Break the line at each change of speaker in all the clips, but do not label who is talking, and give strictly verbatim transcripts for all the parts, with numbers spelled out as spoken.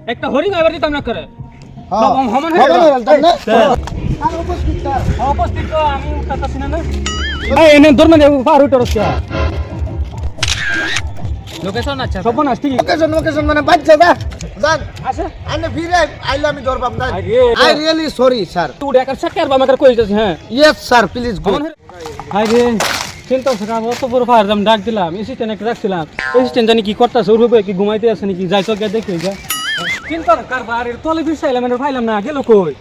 একটা হরিণ এবার দিতাম না করে
হ্যাঁ
হমন
হয়ে গেল না
আর উপস্থিত স্যার উপস্থিত তো আমি উঠাতাছি না না এই এনে ধর্ম দেব পার উঠে রসিয়া লোকেশন আচ্ছা সপন আসছি
লোকেশন লোকেশন মানে বাচ্চা দা জান
আছে
আনে ফিরে আইলে আমি ধরবাম না
আরে
আই রিয়েলি সরি স্যার
তুই একার সাকার বা আমাকে কই যাচ্ছে হ্যাঁ
ইয়েস স্যার প্লিজ গো
আরে চিন্তা থাকা অত বড় ফায়ার দাম ডাক দিলাম অ্যাসিস্ট্যান্ট একটা রাখছিলাম অ্যাসিস্ট্যান্ট জানি কি করতেছে ওর উপরে কি ঘুমাইতে আছে নাকি যাই তো গিয়ে দেখি যা চিন্তা কারবার এর তলে বিছাইলাম এর ফাইলাম না গেল কই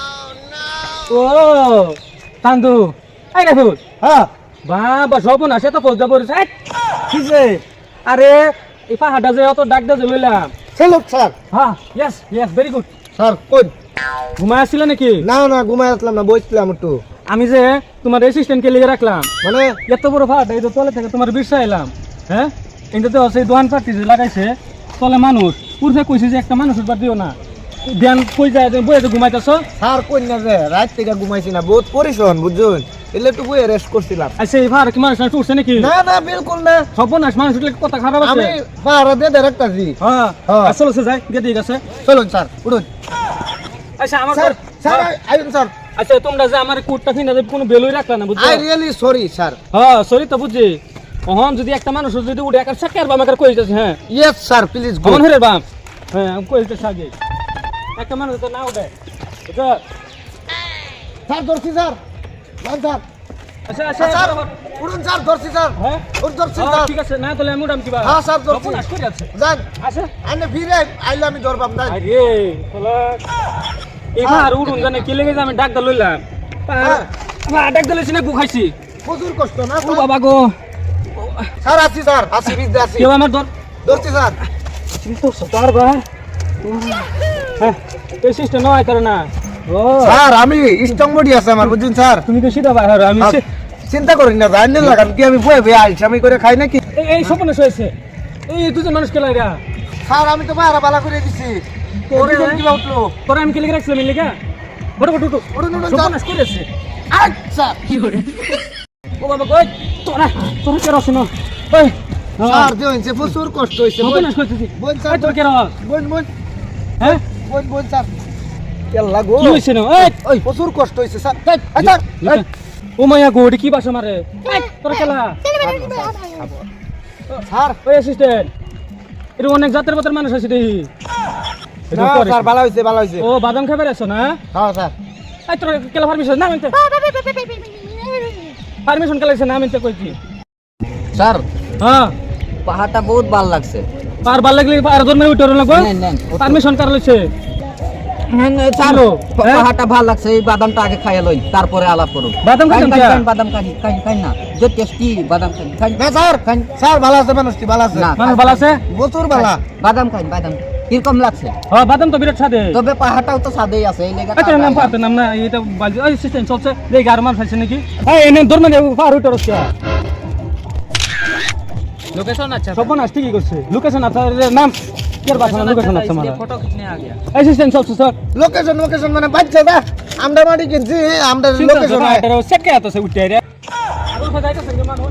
ও তান্দু আই রাখো
হ্যাঁ
বাবা সপন আসে তো পৌঁছা পড়েছে কি যে আরে এই পাহাড়টা যে অত ডাক দিয়ে লইলাম
চলো স্যার
হ্যাঁ yes yes very good
sir কোন
ঘুমায় আসছিল নাকি
না না ঘুমাই আসলাম না বসছিলাম একটু
আমি যে তোমার অ্যাসিস্ট্যান্টকে লিখে রাখলাম
মানে
এত বড় ফাট এই তো তলে থেকে তোমার বিশ্বাস এলাম হ্যাঁ এটা তো সেই দোয়ান পার্টি যে লাগাইছে তলে মানুষ উর্ফে কইছে যে একটা মানুষ উঠবার দিও না ধ্যান কই যায় তুমি বইয়ে ঘুমাইতেছ
স্যার কোন না যে রাত থেকে ঘুমাইছি না বহুত পরিশ্রম বুঝছেন এলে একটু বইয়ে রেস্ট করছিলাম
আচ্ছা এই ফার কি মানুষ না উঠছে নাকি
না না বিলকুল না
সর্বনাশ মানুষ উঠলে কথা খারাপ আছে
আমি পাহাড়ে দিয়ে রাখতাছি
হ্যাঁ
হ্যাঁ।
আসলে সে যায় গিয়ে দিয়ে গেছে
চলুন স্যার উঠুন
আচ্ছা আমার
স্যার স্যার আইন স্যার
আচ্ছা তোমরা যে আমার কোটটা কিনা যে কোনো বেলুই রাখলা না বুঝছো
আই রিয়েলি সরি স্যার
হ্যাঁ সরি তো বুঝছি অহন যদি একটা মানুষ যদি উঠে একার সাকার বা আমাকে কই যাচ্ছে হ্যাঁ
ইয়েস স্যার প্লিজ গো
অমন হরে বাম হ্যাঁ আমি কই যাচ্ছে আগে একটা মানুষ তো না উঠে বুঝছো
স্যার ধরছি স্যার যান স্যার
আচ্ছা আচ্ছা
স্যার উঠুন স্যার ধরছি স্যার
হ্যাঁ
উঠ ধরছি
হ্যাঁ,
স্যার
ঠিক আছে না তাহলে আমি উঠাম কিবা
হ্যাঁ স্যার ধরছি
সর্বনাশ করে যাচ্ছে
যান
আচ্ছা
আনে ফিরে আইলে আমি ধরবাম না
আরে তোলা এবার উড়ুন জানে কি লেগে আমি ডাক দা লইলাম
হ্যাঁ।
আমার ডাক দা লইছি না গু খাইছি
প্রচুর কষ্ট না
ও
স্যার?
বাবা গো
স্যার আসি স্যার আসি বিদ্যা আসি
কেউ আমার ধর
ধরছি স্যার
তুমি তো সতার বা হ্যাঁ এই সিস্টেম নয় করে না ও
স্যার আমি স্ট্রং বডি আছে আমার বুঝছেন স্যার
তুমি তো সিধা বাইরে আমি
আর চিন্তা করেন না রান্না লাগান কি আমি বয়ে বয়ে আইছি আমি করে খাই নাকি
এই এই সপনে হয়েছে এই দুজন মানুষ কেলাই রা
স্যার আমি তো বাইরে বালা করে দিছি ওরিজন কি উঠলো
তোরা আমি কেলে রাখছিলাম এই লেগা বড় বড় টুটু
উঠুন, উঠুন,
সপনে করেছে
আচ্ছা
ও বাবা কই তোরা তোরা কে রসনো ওই
স্যার দেখেন প্রচুর কষ্ট হইছে
সপনে করতেছি
বোন স্যার
এই তোর কে রস
বোন বোন
হ্যাঁ
বোন বোন স্যার কেল্লা গো
কি হইছে না এই
ওই প্রচুর কষ্ট হইছে স্যার এই, আচ্ছা এই,
ও মায়া গোড়ি কি বাসা মারে তোর খেলা
স্যার
ওই অ্যাসিস্ট্যান্ট এর অনেক জাতের পাতের মানুষ আছে দেখি
না স্যার ভালো হইছে ভালো হইছে
ও বাদাম খাবার আছো না
হ্যাঁ স্যার
এই তোর কেলা পারমিশন না মানতে পারমিশন কেলা না মানতে কইছি
স্যার
হ্যাঁ
পাহাড়টা বহুত ভালো লাগছে
পার ভাল লাগলে আর ধর্মের উঠে লাগবে
নেন, নেন।
পারমিশন কার লইছে
চালো
হ্যাঁ?
পাহাড়টা ভালো লাগছে এই বাদামটা আগে খাইয়া লই তারপরে আলাপ করুন
বাদাম খাইতাম
খাইন,
কিয়া?
খাইন, বাদাম খাই খাই খাই না যে টেস্টি বাদাম খাই খাই
না স্যার স্যার ভালো আছে মানুষটি ভালো আছে
না।
মানুষ ভালো আছে
প্রচুর ভালো
বাদাম খাই বাদাম কিরকম লাগছে
হ্যাঁ বাদাম তো বিরাট সাদে
তবে পাহাড়টাও তো সাদেই আছে এই লেগে
আচ্ছা নাম পাতে নাম না এটা বালজি ওই সিস্টেম চলছে দেখি আর মানুষ আছে নাকি এই এনে ধর্ম দেব পার উঠে রসিয়া
লোকেশন আচ্ছা
সপন আসছে কি করছে লোকেশন আছে নাম কের বাসা লোকেশন আছে আমার
ফটো খিচনে আ গয়া
অ্যাসিস্ট্যান্ট চলছে স্যার
লোকেশন লোকেশন মানে বাচ্চা দা আমরা মাটি কিনছি আমরা লোকেশন
এটা সেটকে আছে উঠে রে আর কোথায় যাইতেছে মানুষ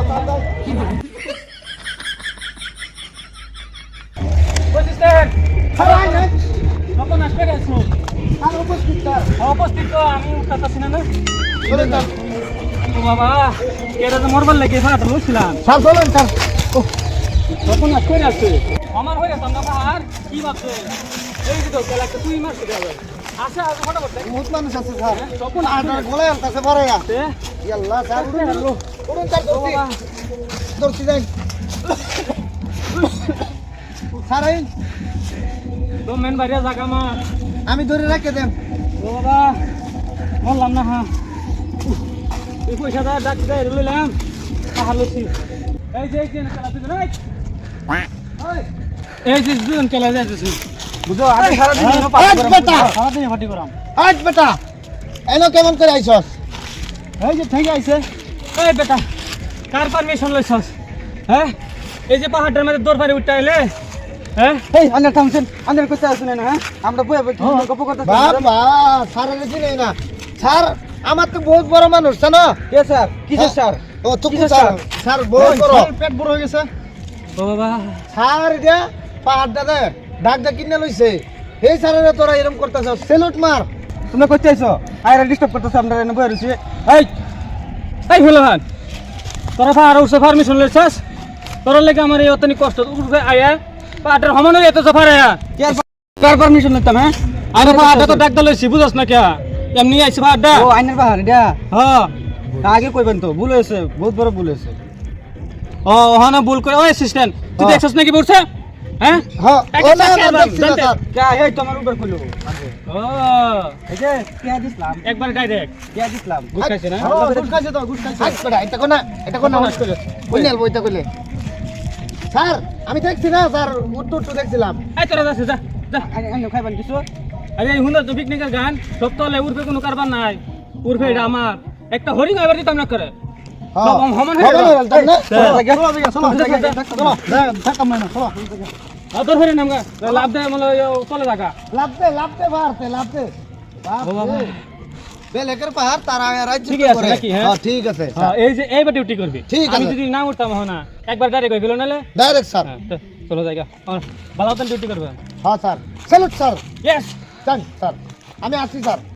অ্যাসিস্ট্যান্ট সপন আসবে গেছো উপস্থিত তো আমি উঠাতাছি না না ও বাবা এটা তো মরবার লাগে ফাটা লইছিলাম
স্যার চলুন স্যার
তখন আজ করে আসছে আমার হয়ে গেছে আমরা আর কি ভাবছে এই যে তো একটা তুই মারছে যাবে আচ্ছা আজ ফটাফট দেখ
বহুত মানুষ আছে স্যার
তখন
আপনার গোলায় আনতেছে বড় ইয়া
আসছে
ইয়াল্লাহ স্যার উঠুন উঠুন স্যার ধরছি ধরছি যাই স্যার এই
তো মেন বাইরে জায়গা মা
আমি ধরে রাখে দেন
ও বাবা বললাম না হ্যাঁ এই পয়সাটা ডাক দেয় লইলাম পাহাড় লইছি এই যে এই যে খেলা তুই এই যে দুজন খেলা যাইতেছি বুঝো আমি সারাদিন
এই বেটা!
সারাদিন ফাটি করাম
আজ বেটা এনো কেমন করে আইছস
এই যে ঠিক আছে এই বেটা কার পারমিশন লইছস হ্যাঁ এই যে পাহাড়টার মধ্যে দৌড় পারে উঠতে আইলে হ্যাঁ
এই আন্ডার থামছেন আন্ডার কইতে আসুন না হ্যাঁ আমরা বই বই গপ করতে বাবা স্যার রেজি নেই না স্যার আমার তো বহুত বড় মানুষ জানো
কে স্যার কিসের স্যার
ও তো
কিসের
স্যার
স্যার?
স্যার বহুত বড়
পেট বড় হয়ে গেছে ও বাবা
স্যার এটা পাহাড়টা দে ডাক ডাক কিনে লইছে এই স্যারেরা তোরা এরকম করতেছ সেলুট মার তোমরা কই চাইছো আইরা ডিস্টার্ব করতেছ আমরা এনে বইরে রইছি
এই এই হলান তোরা ফার উঠছে পারমিশন লইছাস তোর লাগে আমার এই অতনি কষ্ট উঠবে আয়া পাটের সমান হয়ে এত সফার আয়া
কে কার পারমিশন নিতাম হ্যাঁ
আরে পাটা তো ডাক দলছি বুঝছ না কে এমনি আইছে পাটা
ও আইনের বাহার এটা
হ্যাঁ
আগে কইবেন তো ভুল হয়েছে বহুত বড় ভুল হয়েছে
ও হ্যাঁ না ভুল করে ও অ্যাসিস্ট্যান্ট তুই
হ্যাঁ।
দেখছস নাকি বলছে হ্যাঁ
হ্যাঁ
ও না, না, দেখছি না, স্যার।
কে এই তোমার উপর কইলো
ও
এই যে কে দিছলাম
একবার ডাইরেক্ট
কে দিছলাম
গুড খাইছে না
হ্যাঁ গুড খাইছে তো গুড খাইছে আচ্ছা বেটা এটা কোনা এটা কোনা
কোনা,
করে কই নেল বইটা কইলে স্যার আমি দেখছি না স্যার উত্তর তো দেখছিলাম
এই তোরা যাচ্ছে যা যা
আইনে খাইবেন কিছু
আরে এই হুন্দার তো পিকনিকের গান সব তো উর্ফে কোনো কারবার নাই উর্ফে এটা আমার একটা হরিণ এবার দিতাম না করে সব সমান হয়ে গেল। আর তোর হরিণ আমগা লাভ দেয় মনে হয় চলে থাকা
লাভতে লাভতে ভারতে লাভতে
বাবা।
বেলেকের পাহাড় তারা রাজ্য
ঠিকই আছে নাকি, হ্যাঁ?
হ্যাঁ ঠিক আছে
হ্যাঁ, এই যে এইবার ডিউটি করবি
ঠিক
আমি
আছে।
যদি না উঠতাম না একবার ডাইরেক্ট হয়ে গেল নালে
ডাইরেক্ট স্যার
হ্যাঁ তো চলো জায়গা ভালো মতন ডিউটি করবে
হ্যাঁ sir salute sir
yes
sir আমি আসছি স্যার